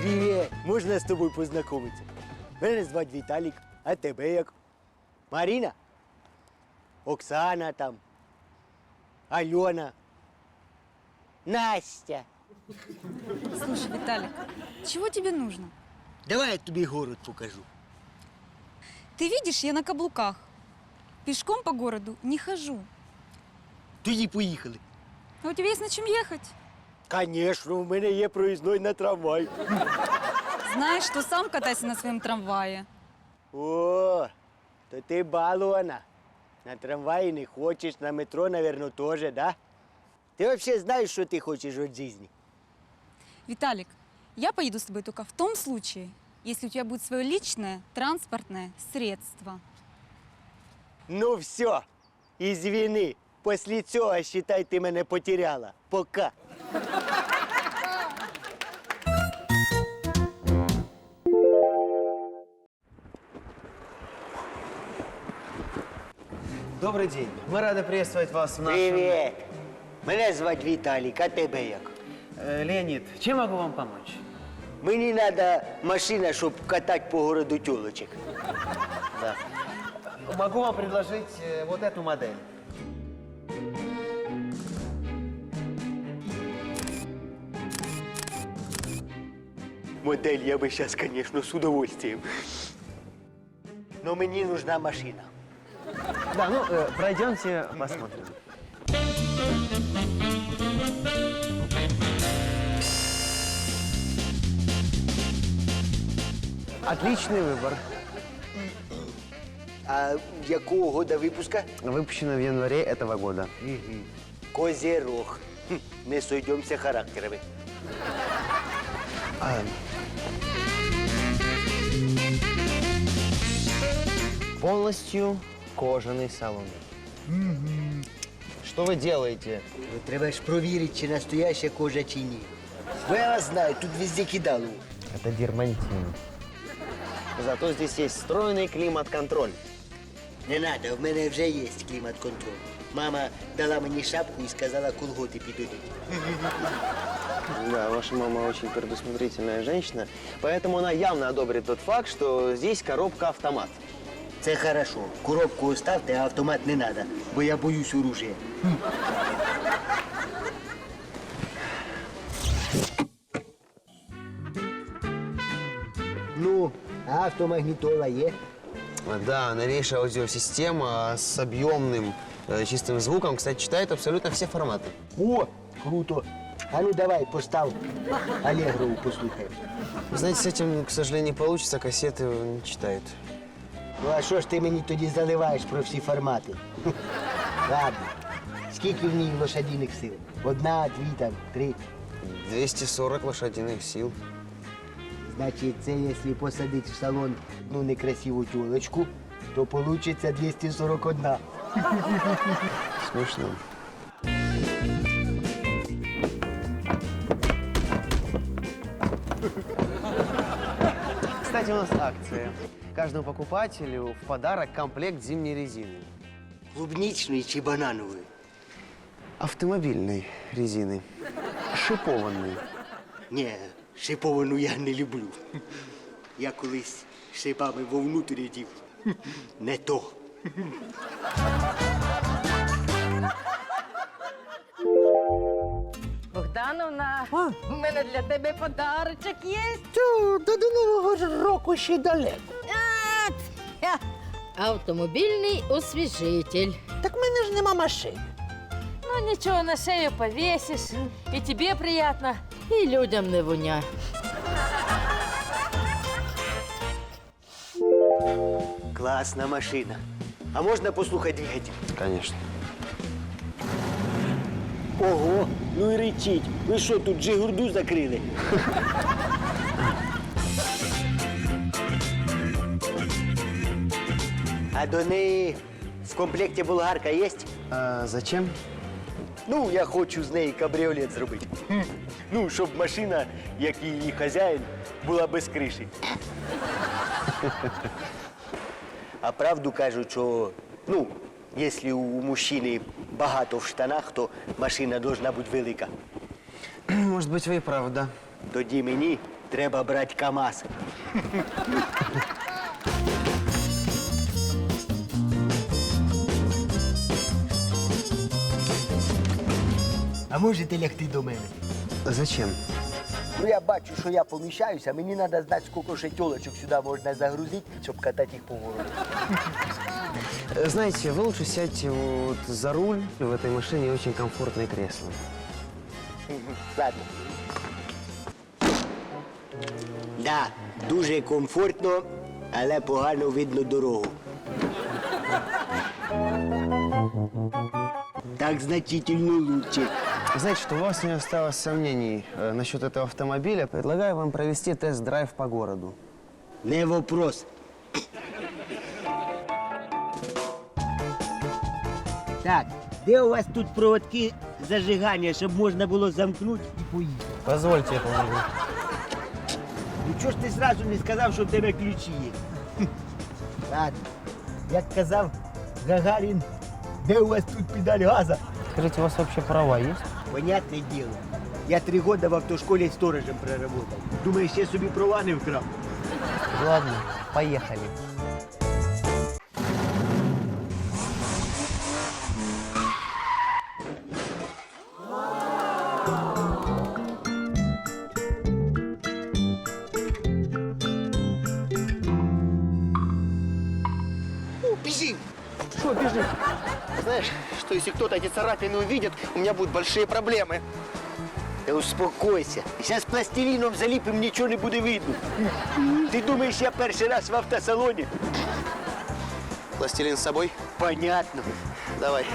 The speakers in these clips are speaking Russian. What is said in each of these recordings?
Привіт! Можна з тобою познайомитися? Мене звати Віталік, а тебе як? Маріна? Оксана там. Альона. Настя. Слушай, Виталик, чего тебе нужно? Давай я тобі город покажу. Ты видишь, я на каблуках. Пешком по городу не хожу. Тоді поїхали. А у тебя есть на чем ехать? Звісно, в мене є проїзной на трамвай. Знаешь, что сам катайся на своем трамвае. О, то ти балована. На трамваї не хочеш, на метро, напевно, теж, да? Ти взагалі знаєш, що ти хочеш від життя? Виталик, я поеду с тобой только в том случае, если у тебя будет свое личное транспортное средство. Ну все, извини. Після цього, считай, ти мене потеряла. Пока. Добрый день. Мы рады приветствовать вас в нашем... Привіт. Мене звати Віталік, а тебе як? Леонид, чем могу вам помочь? Мені треба машина, щоб катати по городу тюлочек. Да. Могу вам предложить вот эту модель. Модель я би зараз, звісно, з удовольствием. Но мені нужна машина. Да, ну, пройдемте, посмотрим. Отличный выбор. А якого года випуска? Выпущено в январе этого года. Козерог. Не сойдемося характерами. Полностью кожаный салон. Что вы делаете? Ну, треба ж провірити, чи настояща кожа, чи ні. Бо я вас знаю, тут везде кидало. Это дермантин. Зато здесь есть встроенный климат-контроль. Не надо, в мене вже є клімат-контроль. Мама дала мені шапку і сказала, колготи підійдуть. Да, ваша мама очень предусмотрительная женщина, поэтому она явно одобрит тот факт, что здесь коробка-автомат. Це хорошо. Коробку оставте, а автомат не надо, бо я боюсь оружия. Ну, а автомагнітола є? Да, новейшая аудиосистема с объемным чистым звуком, кстати, читает абсолютно все форматы. О, круто. А ну давай, постав Аллегрову послухаємо. Вы знаете, с этим, к сожалению, не получится, кассеты не читает. Ну а що ж ти мені тоді заливаєш про всі формати? Ладно. Скільки в ній лошадиних сил? Одна, дві, там, три. 240 лошадиных сил. Значить, це якщо посадити в салон одну некрасиву тілочку, то получиться 241. Смешно. Кстати, у нас акция. Каждому покупателю в подарок комплект зимней резины. Клубничної чи бананової? Автомобильной резины. Шипованной. Ні, шиповану я не люблю. Я колись шипами вовнутрь дів. Не то. Богдановна, у мене для тебе подарочок є. Та до Нового ж року ще далеко. Автомобільний освіжитель. Так в мене ж нема машини. Ну нічого, на шею повісиш, і тобі приємно, і людям не воня. Класна машина. А можна послухати двигатель? Конечно. Ого, ну і речіть. Ви що, тут Джигурду закрили? А до неї в комплекті болгарка є? А зачем? Ну, я хочу з неї кабріолет зробити. Ну, щоб машина, як і її хазяїн, була без криші. А правду кажуть, що, ну, якщо у мужчини багато в штанах, то машина должна бути велика. Может быть, вы и правда. Тоді мені треба брати КАМАЗ. А можете лягти до мене? Зачем? Ну я бачу, що я поміщаюся, мені треба знати, скільки ще тілочок сюди можна загрузити, щоб катати їх по городу. Знаете, вы лучше сядьте вот за руль. В этой машине очень комфортное кресло. Ладно. Да, дуже комфортно, але погано видно дорогу. Так значительно лучше. Знаете, что у вас не осталось сомнений насчет этого автомобиля. Предлагаю вам провести тест-драйв по городу. Не вопрос. Так, де у вас тут проводки зажигання, щоб можна було замкнути і поїхати? Позвольте, я помогу. Ну чого ж ти зразу не сказав, що в тебе ключі є? Ладно, як казав Гагарін, де у вас тут педаль газа? Скажите, у вас вообще права есть? Понятне діло. Я 3 роки в автошколі сторожем проработав. Думаєш, я собі права не вкрав? Ладно, поехали. Біжи! Что бежит? Знаешь, что если кто-то эти царапины увидит, у меня будут большие проблемы. Та успокойся. Зараз пластиліном заліпим, нічого не буде видно. Ти думаєш, я перший раз в автосалоні? Пластилин с собой? Понятно. Давай.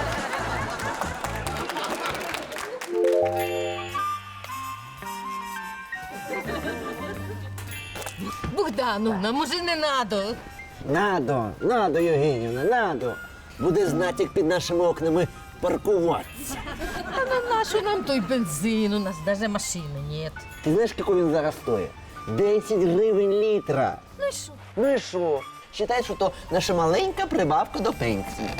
Богдановна, може не надо? Надо, Євгенівна, надо. Буде знати, як під нашими окнами паркуватися. А на нашу нам той бензин, у нас даже машины нет. Ти знаєш, який він зараз стоїть? 10 гривень літра. Ну і що? Ну і що? Считай, що то наша маленька прибавка до пенсії.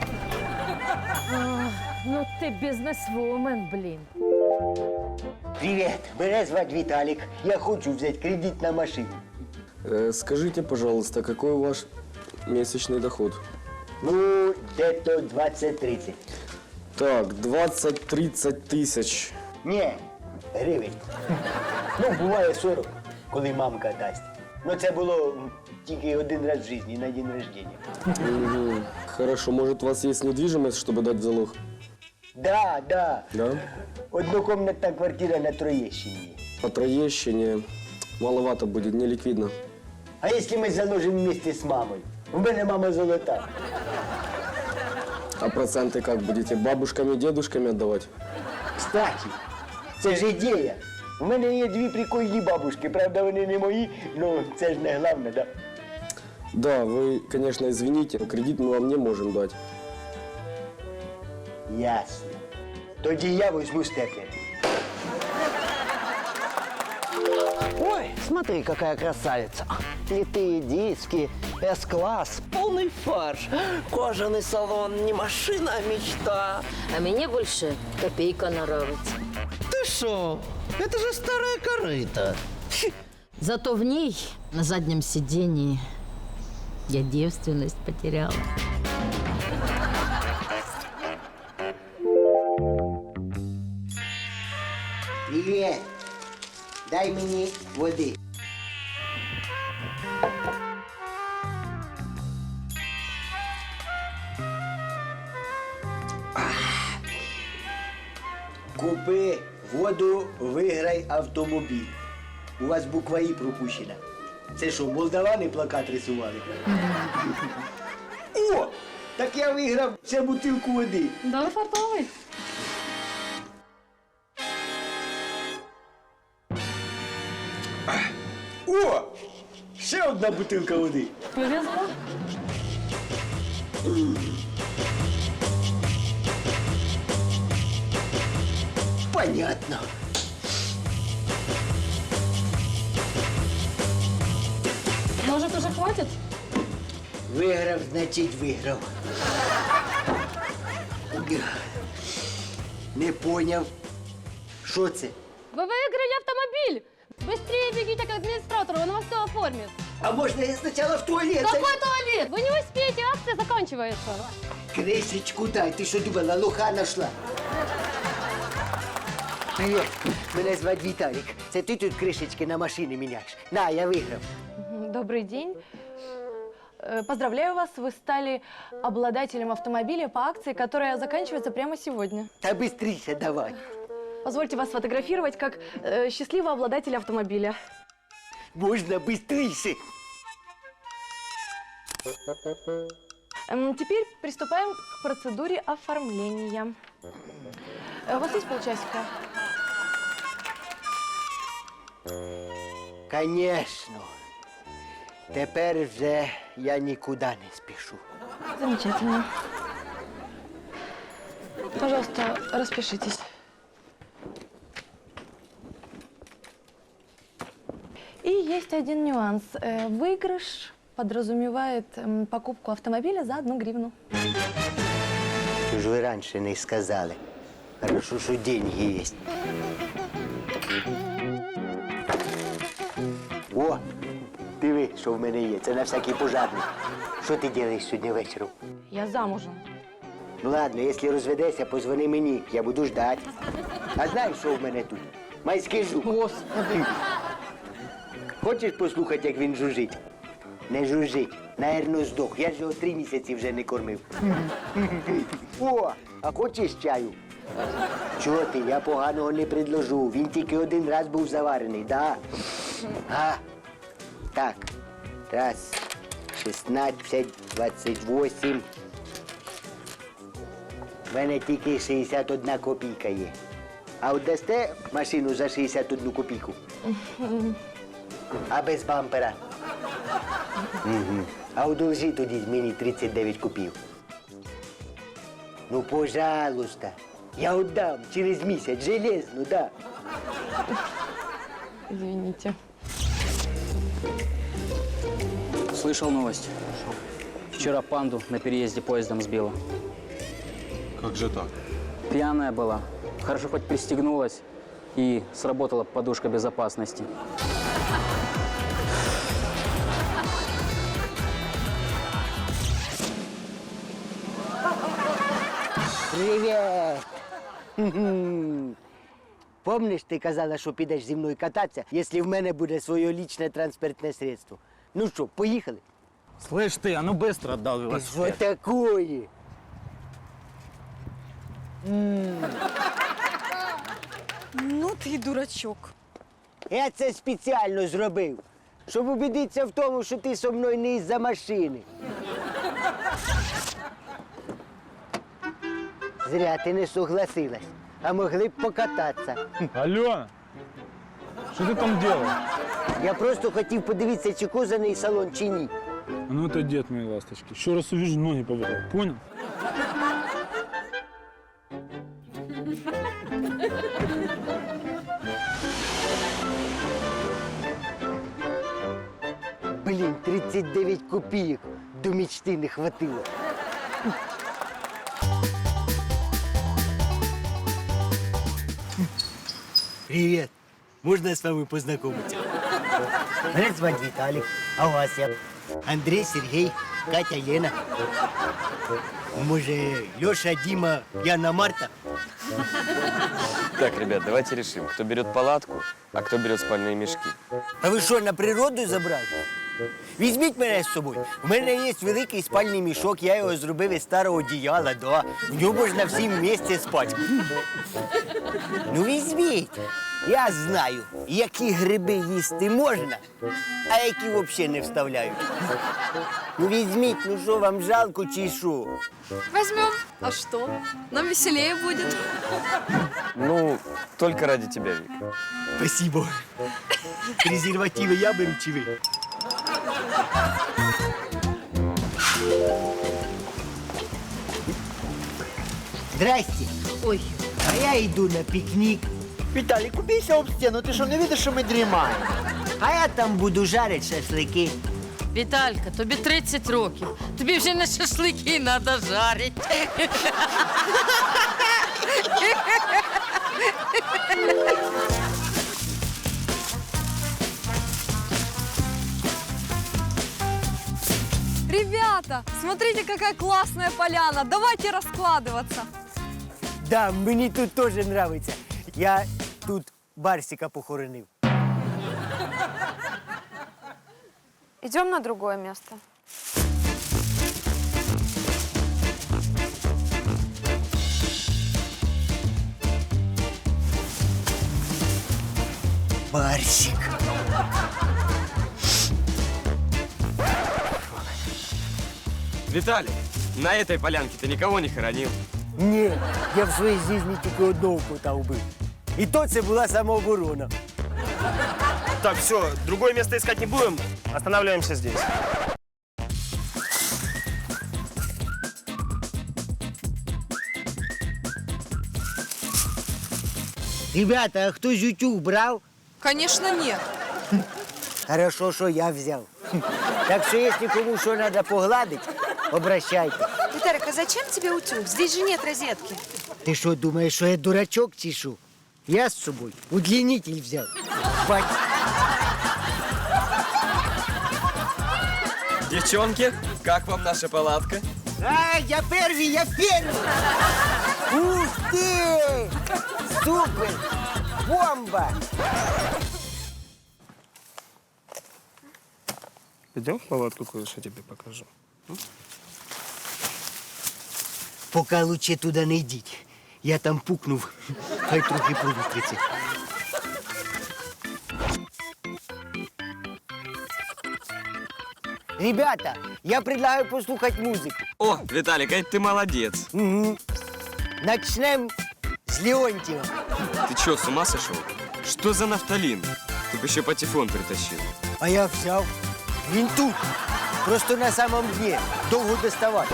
Ну ти бізнесвумен, блін. Привіт, мене звати Віталік. Я хочу взяти кредит на машину. Скажите, пожалуйста, какой ваш месячный доход? Ну, де-то 20-30. Так, 20-30 тысяч. Ні, гривень. Ну, буває 40, коли мамка дасть. Ну, це було тільки один раз в житті, на день рождения. Мгм. Хорошо, может, у вас есть недвижимость, чтобы дать в залог? Да. Да? Однокомнатна квартира на Троєщині. По Троещине маловато будет, не ликвидно. А якщо ми заложимо вместе з мамою? У мене мама золота. А проценты как будете? Бабушками, дедушками отдавать? Кстати, це ж ідея. У мене є 2 прикольні бабушки, правда, вони не мої, ну це ж не головне, да? Да, вы, конечно, извините, но кредит мы вам не можем дать. Ясно. Тоді я візьму степлер. Ой, смотри, какая красавица. Литые диски, С-класс, полный фарш. Кожаный салон, не машина, а мечта. А мені більше копійка нравиться. Ты шо? Это же старая корыта. Зато в ней, на заднем сиденье, я девственность потеряла. Привіт. Дай мені води. Купи воду, виграй автомобіль. У вас буква І пропущена. Це що, молдавани плакат рисували? О! Так я виграв ще бутилку води. Да, фартовый. О! Ще одна бутилка води. Повезло. Понятно. Может, уже хватит? Виграв, значить виграв. Не поняв. Що це? Ви виграли автомобіль! Быстрее бегите к администратору, он вам все оформит. А можно я сначала в туалет? Какой туалет? Вы не успеете, акция заканчивается. Кришечку дай, ти що думала, лоха нашла? Привіт, мене звати Віталік. Це ти тут кришечки на машини міняєш? На, я виграв. Добрый день. Поздравляю вас, вы стали обладателем автомобиля по акции, которая заканчивается прямо сегодня. Та бистріше давай. Позвольте вас сфотографировать как счастливого обладателя автомобиля. Можна бистріше. Теперь приступаем к процедуре оформления. У вас есть полчасика? Конечно. Тепер вже я нікуди не спішу. Замечательно. Пожалуйста, распишитесь. И есть один нюанс. Выигрыш подразумевает покупку автомобиля за 1 гривну. Що ж ви раніше не сказали? Хорошо, що деньги є. О, диви, що в мене є. Це на всякий пожарний. Що ти робиш сьогодні вечором? Я замужем. Ну ладно, якщо розведешся, позвони мені, я буду ждати. А знаєш, що в мене тут? Майський жук. Господи. Хочеш послухати, як він жужить? Не жужить, наверно, здох. Я ж його 3 місяці вже не кормив. О, а хочеш чаю? Чого ти? Я поганого не предложу. Він тільки 1 раз був заварений, да? А, так. Раз, 16, 28. В мене тільки 61 копійка є. А от дасте машину за 61 копійку? А без бампера? Угу. А одолжи тоді мені 39 копійок. Ну, пожалуйста. Я отдам через місяць, железно, да. Извините. Слышал новость. Вчера панду на переезде поездом сбила. Как же так? Пьяная была. Хорошо хоть пристегнулась и сработала подушка безопасности. Привіт! Помниш, ти казала, що підеш зі мною кататися, якщо в мене буде своє лічне транспортне средство? Ну що, поїхали? Слышь ты, а ну быстро отдал Що такое? Ну ты и дурачок. Я це спеціально зробив, щоб убедитися в тому, що ти зі мною не із-за машини. Зря ти не согласилась, а могли б покататися. Алена, что ты там делаешь? Я просто хотів подивитися, чи козаний салон, чи ні. Ну это дед моей ласточки. Еще раз увижу, ноги повыдал. Понял? Блін, 39 копійок. До мечти не хватило. Привет. Можно с вами познакомиться? Меня зовут Виталик. А вас я? Андрей, Сергей, Катя, Лена. Може, Леша, Дима, Яна, Марта? Так, ребят, давайте решим, кто берет палатку, а кто берет спальные мешки. А ви що, на природу забрали? Візьміть мене з собою. У мене є великий спальний мішок, я його зробив із старого одіяла, да. В ньому можна всім вместе спати. Ну візьміть. Я знаю, які гриби їсти можна, а які взагалі не вставляють. Ну візьміть, ну що, вам жалко чи що? Возьмем. А что? Нам веселее будет. Ну, только ради тебя, Вик. Спасибо. Презервативи я беру чи ви? Здрасте. Ой, А я йду на пікнік. Виталик, убейся об стену, ты что, не видишь, что мы дремаем? А я там буду жарити шашлики. Віталька, тобі 30 років. Тобі вже не шашлики треба жарити. Ребята, смотрите, какая классная поляна. Давайте раскладываться. Да, мені тут теж нравиться. Я тут Барсика похоронив. Идем на другое место. Барсик. Виталик, на этой полянке ты никого не хоронил? Ні, я в своїй житті тільки одного кота вбив. І то це була самооборона. Так, все, другое место искать не будем. Останавливаемся здесь. Ребята, а хтось утюг брав? Конечно, нет. Хорошо, що я взяв. Так що, якщо кому що треба погладити, обращайте. Виталик, а зачем тебе утюг? Здесь же нет розетки. Ти що, думаєш, що я дурачок чи що? Я з собою удлінитель взяв. Бать. Девчонки, как вам наша палатка? А, я первый, я первый! Ух ты! Супер! Бомба! Идем в палатку, кое-что тебе покажу. Поки лучше туди не йдіть. Я там пукнув, хай трохи провітриться. Ребята, я предлагаю послухати музику. О, Виталик, а ты молодец. Угу. Начнем с Леонтьева. Ты что, с ума сошел? Что за нафталин? Ты бы еще патефон притащил. А я взяв. Він тут. Просто на самом дне. Довго доставати.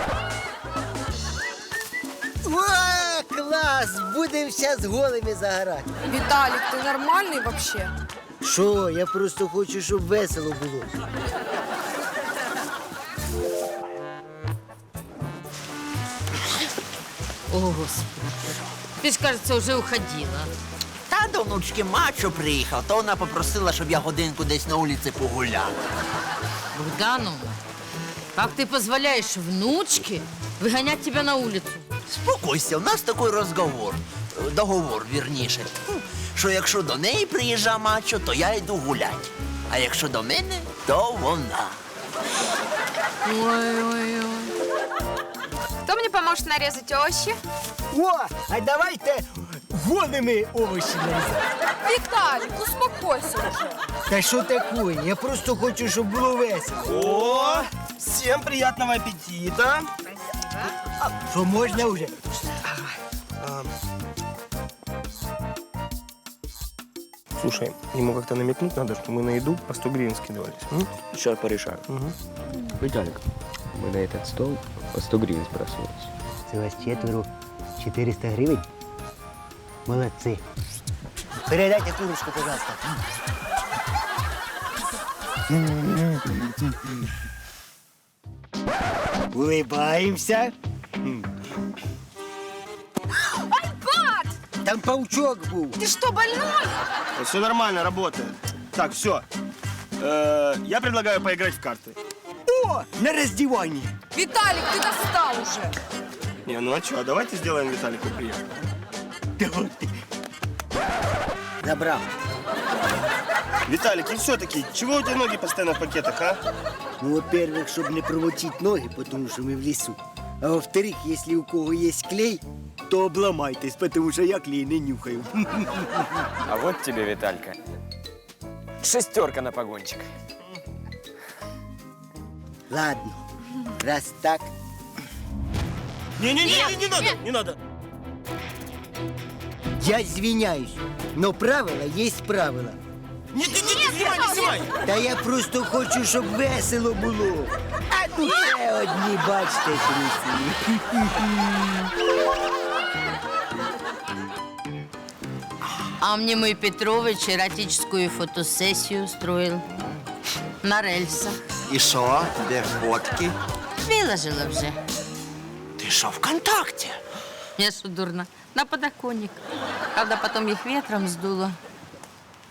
О, клас! Будемо зараз голими загорати. Виталик, ты нормальный вообще? Що? Я просто хочу, щоб весело було. О, Господи. Ты ж, кажется, уже уходила. Та до внучки мачо приїхав, то вона попросила, щоб я годинку десь на вулиці погуляв. Богдановна, как ты позволяешь внучке выгонять тебя на улицу? Спокойся, у нас такий розговор. Договор, вірніше. Що якщо до неї приїжджа мачо, то я йду гулять. А якщо до мене, то вона. Ой-ой-ой. Кто мне поможет нарезать овощи? О, а давайте голими овочі нарізати. Виталик, успокойся уже. Та що таке? Я просто хочу, щоб було весело. О, всем приятного аппетита. Що можна вже? Слушай, ему как-то намекнуть надо, что мы на еду по 100 гривен скидывались. Сейчас порешаю. Виталик, мы на этот стол по 100 гривен сбрасывались. Це вас четверо, 400 гривень? Молодці. Передайте курочку, пожалуйста. Улыбаемся. Айпад! Там паучок був. Ты что, больной? Все нормально, работает. Так, все. Я предлагаю поиграть в карты. О, на роздіванні. Виталик, ты достал уже. Не, ну а что, давайте сделаем Виталику приятно. Давайте. Забрав. Виталик, и все-таки, чего у тебя ноги постоянно в пакетах, а? Ну, во-первых, щоб не промочити ноги, тому що ми в лісу. А во-вторых, якщо у кого є клей, то обламайтесь, тому що я клей не нюхаю. А вот тебе, Виталька, 6 на погончик. Ладно, раз так. Не надо, не надо. Я извиняюсь, но правила есть правила. Не снимай. Та я просто хочу, щоб весело було. А тут ще одні, бачите, трусі. А мне мой Петрович эротическую фотосессию устроил на рельсах. І що? Де фотки? Выложила уже. Ти що, ВКонтакте? Я что, дурно? На подоконник. Правда, потом их ветром сдуло.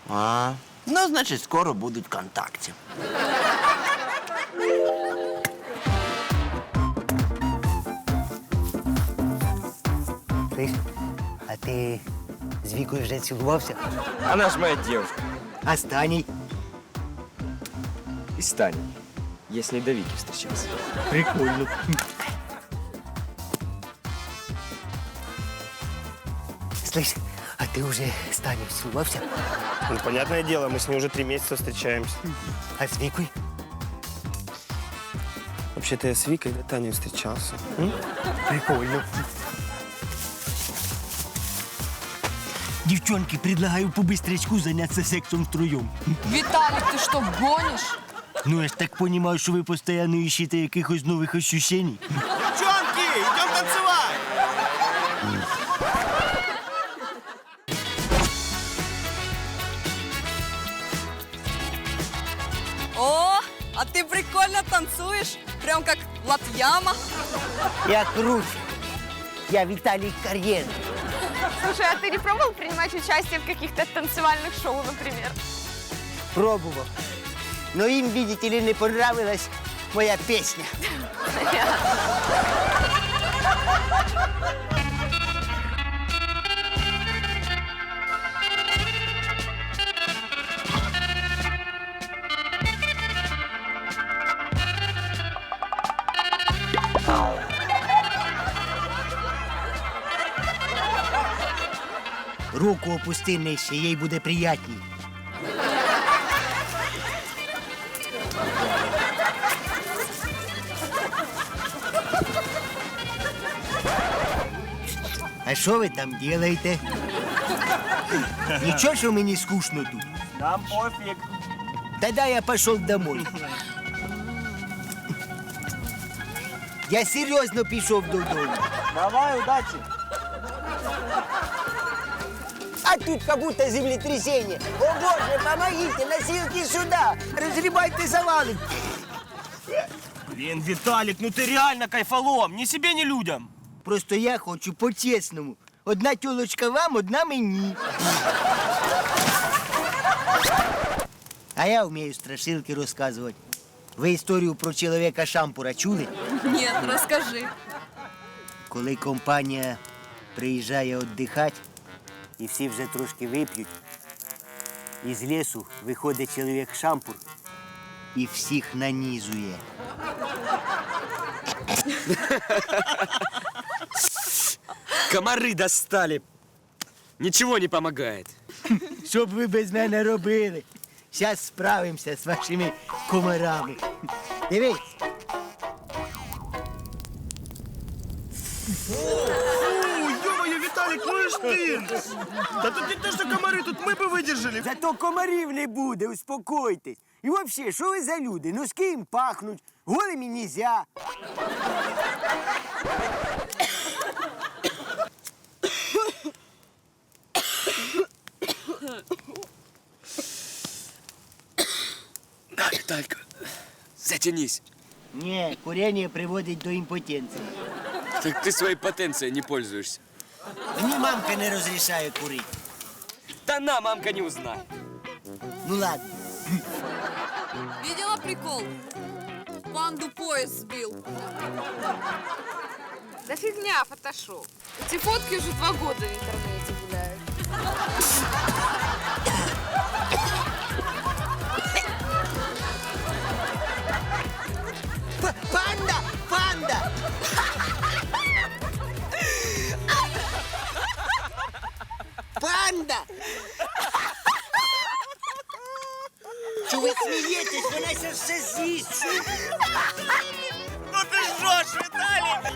А, ну, значить, скоро будуть ВКонтакте. Слышь, а ти з Вікою вже цілувався? Она ж моя девушка. А з Таней? И с Таней. Я с ней до Вики встречался. Прикольно. Слышь, а ти вже з Таней цілувався? Ну, понятное дело, мы с ней уже 3 месяца встречаемся. А з Вікою? Вообще-то я с Викой до Таней встречался. Прикольно. Девчонки, предлагаю по-быстрячку заняться сексом втроем. Виталик, ты что, гонишь? Ну, я ж так понимаю, что вы постоянно ищете якихось новых ощущений. Девчонки, идем танцевать! О, а ты прикольно танцуешь, прям как Латьяма. Я круче. Я Виталий Карьер. Слушай, а ты не пробовал принимать участие в каких-то танцевальных шоу, например? Пробовал. Но им, видите ли, не понравилась моя песня. Руку опусти нижче, їй буде приятній. А що ви там робите? Нічого, що мені скучно тут? Нам пофиг. Тогда я пошел домой. Я серьезно пішов додому. Давай, удачи. А тут как будто землетрясение. О боже, помогите, носилки сюда. Разгребайте завалы. Блин, Виталик, ну ты реально кайфолом. Ни себе, ни людям. Просто я хочу по-чесному. Одна тёлочка вам, одна мені. А я вмію страшилки розказувати. Ви історію про чоловіка-шампура чули? Нет, расскажи. Коли компанія приїжджає віддихати, і всі вже трошки вип'ють, із лісу виходить чоловік-шампур і всіх нанізує. Комары достали. Ничего не помогает. Що б ви без мене робили? Зараз справимося з вашими комарами. Дивись. Ё-моё, Виталик, ну и ж ты! Да тут не то, что комары, тут мы бы выдержали. Зато комарів не буде, успокойтесь. І взагалі, що ви за люди? Ну з ким пахнуть? Голими нельзя. Да, Виталька, затянись. Ні, курення приводить до імпотенції. Так ты своей потенцией не пользуешься. Мені мамка не розрішає курити. Да на, мамка не узнает. Ну ладно. Видела прикол? Панду поезд сбил. Да фигня, фотошоп. Эти фотки уже 2 года в интернете гуляют. Панда! Панда! Панда! Чого ви смієтесь? Вона ще все з'їсть. Ну ты жжешь, Виталик!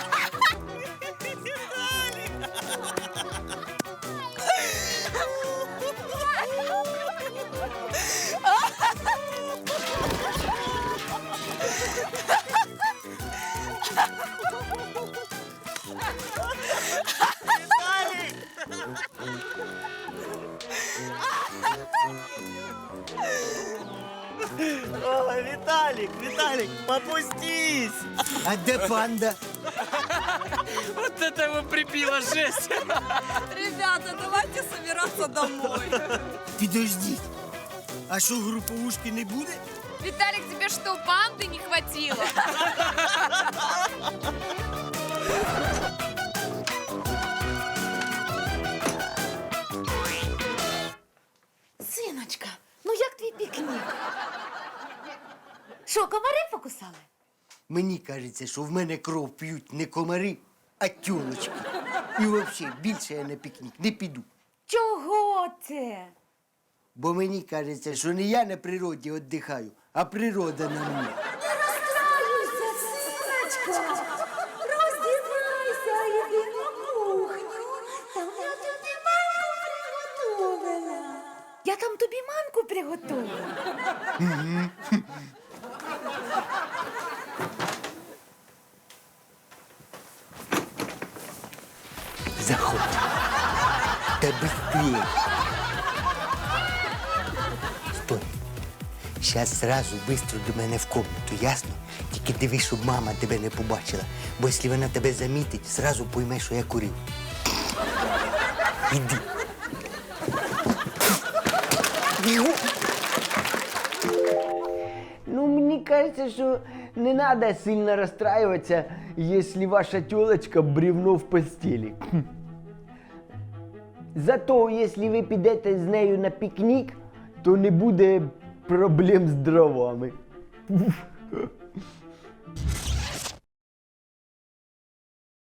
Ой, Виталик, Виталик, попустись! А де панда? Вот это его прибило, жесть. Ребята, давайте собираться домой. Підождіть. А що, груповушки не буде? Виталик, тебе что, панды не хватило? сказали? Мені кажеться, що в мене кров п'ють не комари, а тюлочки. І взагалі, більше я на пікнік не піду. Чого це? Бо мені кажеться, що не я на природі віддихаю, а природа на мені. Не розстраюйся, синочка. Роздівайся, йди на кухню. Там я тобі манку приготувала. Я там тобі манку приготувала. Заходь. Та быстрее. Стой. Сейчас сразу быстро до мене в комнату, ясно? Тільки дивись, щоб мама тебе не побачила. Бо якщо вона тебе замітить, сразу пойме, що я курив. Іди. Ну, мені кажется, що не надо сильно расстраиваться, если ваша тёлочка бревно в постели. Зато, если ви підете з нею на пікнік, то не буде проблем з дровами.